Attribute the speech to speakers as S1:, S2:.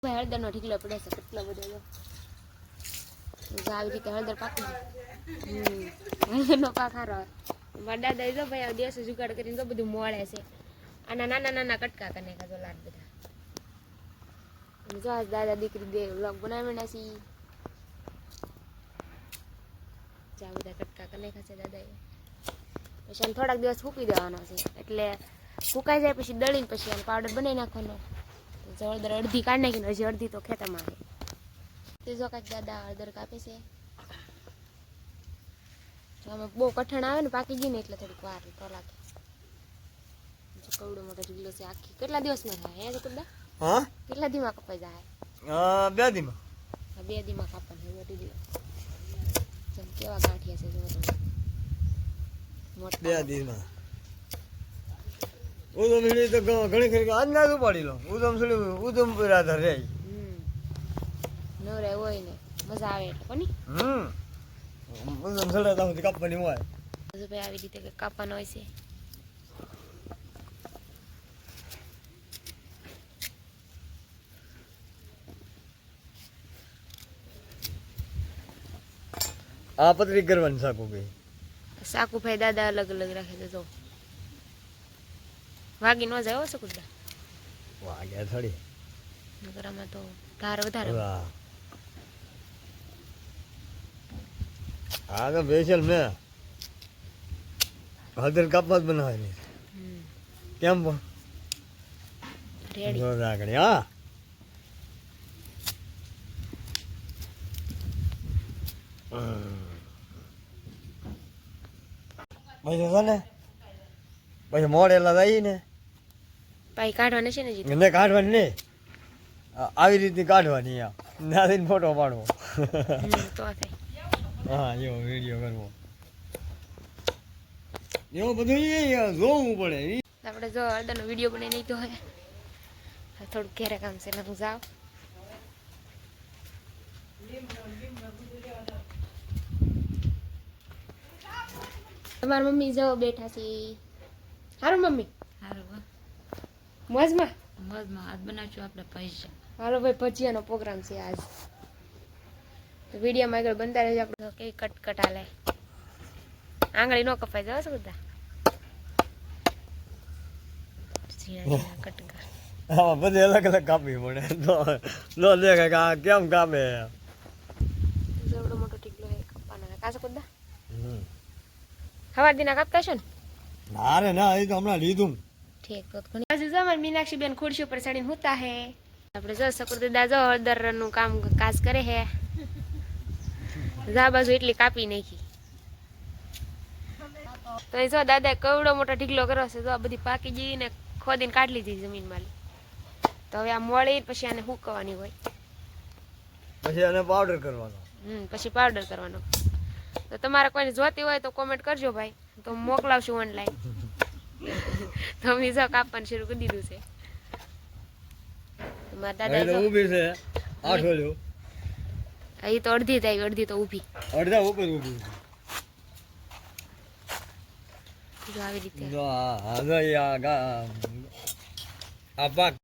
S1: ભાઈ હળદરનો ઢીકલો પડે છે કેટલો બધો જો આવી રીતે હળદર પાકી હળદરનો પાક સારો મારા દાદા જો ભાઈ દિવસે જુગાડ કરીને તો બધું મોળે છે આના નાના નાના કટકા કરી નાખ્યા જો લાડ બધા જો આજ દાદા દીકરી બે વ્લોગ બનાવી નાખી જા બધા કટકા કરી નાખ્યા છે દાદાએ પછી આને થોડાક દિવસ સૂકી દેવાનો છે એટલે સુકાઈ જાય પછી દળીને પછી આને પાવડર બનાવી નાખવાનો હળદર અડધી કાઢી નાખીને હજી અડધી તો ખેતરમાં આવે તે જો કાંઈક દાદા હળદર કાપે છે જો આમાં બહુ કઠણ આવે ને પાકી ગઈ ને એટલે થોડીક વાર તો લાગે જો કવડો મોટો ઢીકલો છે આખી કેટલા દિવસમાં થાય હે કુદા
S2: હા
S1: કેટલા દીમાં કપાઈ જાય
S2: 2 દીમાં
S1: 2 દીમાં કાપવાનું મોટી દી જેમ કેવા ગાંઠિયા છે જો તો મોટા
S2: 2 દીમાં ઉદમ સીડી તો ઘણી ખરી અંદાજ ઉપાડી લો ઉદમ સીડી ઉદમપુર આધાર રે
S1: નવરે હોય ને મજા આવે એટલે કોની
S2: ઉદમ સીડી તો કાપવાની હોય
S1: તો ભાઈ આવી રીતે કાપવાનો હોય છે
S2: આ પતરી કરવાની સાકુ ભાઈ
S1: સાકુ ભાઈ દાદા અલગ અલગ રાખે છે જો વાગી ન જાય હો સકુદા
S2: વાગ્યા થોડી
S1: નગરમાં તો ધાર વધારે
S2: હા તો સ્પેશિયલ મેં હળદર કાપવા જ બનાવવાની કેમ પણ
S1: રેડી
S2: આગળ હા પછી છે ને પછી મોડેલા જાય ને
S1: પાઈ કાઢવાને છે ને જી
S2: એને કાઢવાની નહીં આવી રીતે કાઢવાની નાદીને ફોટો પાડવો
S1: તો થાય
S2: હા એવો વિડીયો કરવો એવું બધું જોવું પડે
S1: આપણે જો હળદરનો વિડીયો બનાવી નહીં તો હે થોડુંક ઘેરે કામ છે એટલે હું જાઉં તમારી મમ્મી જો બેઠા છે હારું મમ્મી
S3: હારું
S1: મોજમાં
S3: મજમાં આજ બનાવશું આપણે પૈસા
S1: હાલો ભાઈ ભજીયાનો પ્રોગ્રામ છે આજ તો વિડીયોમાં આગળ બનતા રહેજો આપણે કેવી કટકટ હાલે આંગળી નો કપાઈ જાવ શું બધા કટકા
S2: હા બધે અલગ અલગ કાપવી પડે નો દેખાય કે આ કેમ કાપે
S1: એવડો મોટો ટીકલો હે કાપવાનો કાસો કુદા સવાર દિના કાપતા છો ને
S2: ના રે ના એ તો હમણાં લીધું
S1: ઠીક તો ઘણી બાજુ જમણ મીનાક્ષી બેન ખુરશી ઉપર ચડીને હુતા હે આપણે જો સકુર દાદા જો હળદરનું કામ કાજ કરે હે જા બાજુ એટલી કાપી નાખી તો એ જો દાદા કવડો મોટો ઢીકલો કર્યો છે જો આ બધી પાકી ગઈ ને ખોદીને કાઢી લીધી જમીનમાં તો હવે આ મળી પછી આને હુકવાની હોય
S2: પછી આને પાવડર કરવાનો
S1: પછી પાવડર કરવાનો તો તમારે કોઈને જોતી હોય તો કોમેન્ટ કરજો ભાઈ તો મોકલાવશું ઓનલાઈન તો મેં જો કાપવાનું શરૂ કરી દીધું છે મારા દાદા
S2: ઊભી છે 8 વાળો
S1: અહીં તો અડધી થાય અડધી તો ઊભી
S2: અડધા ઉપર ઊભી
S1: જો આવી રીતે
S2: જો આ પાક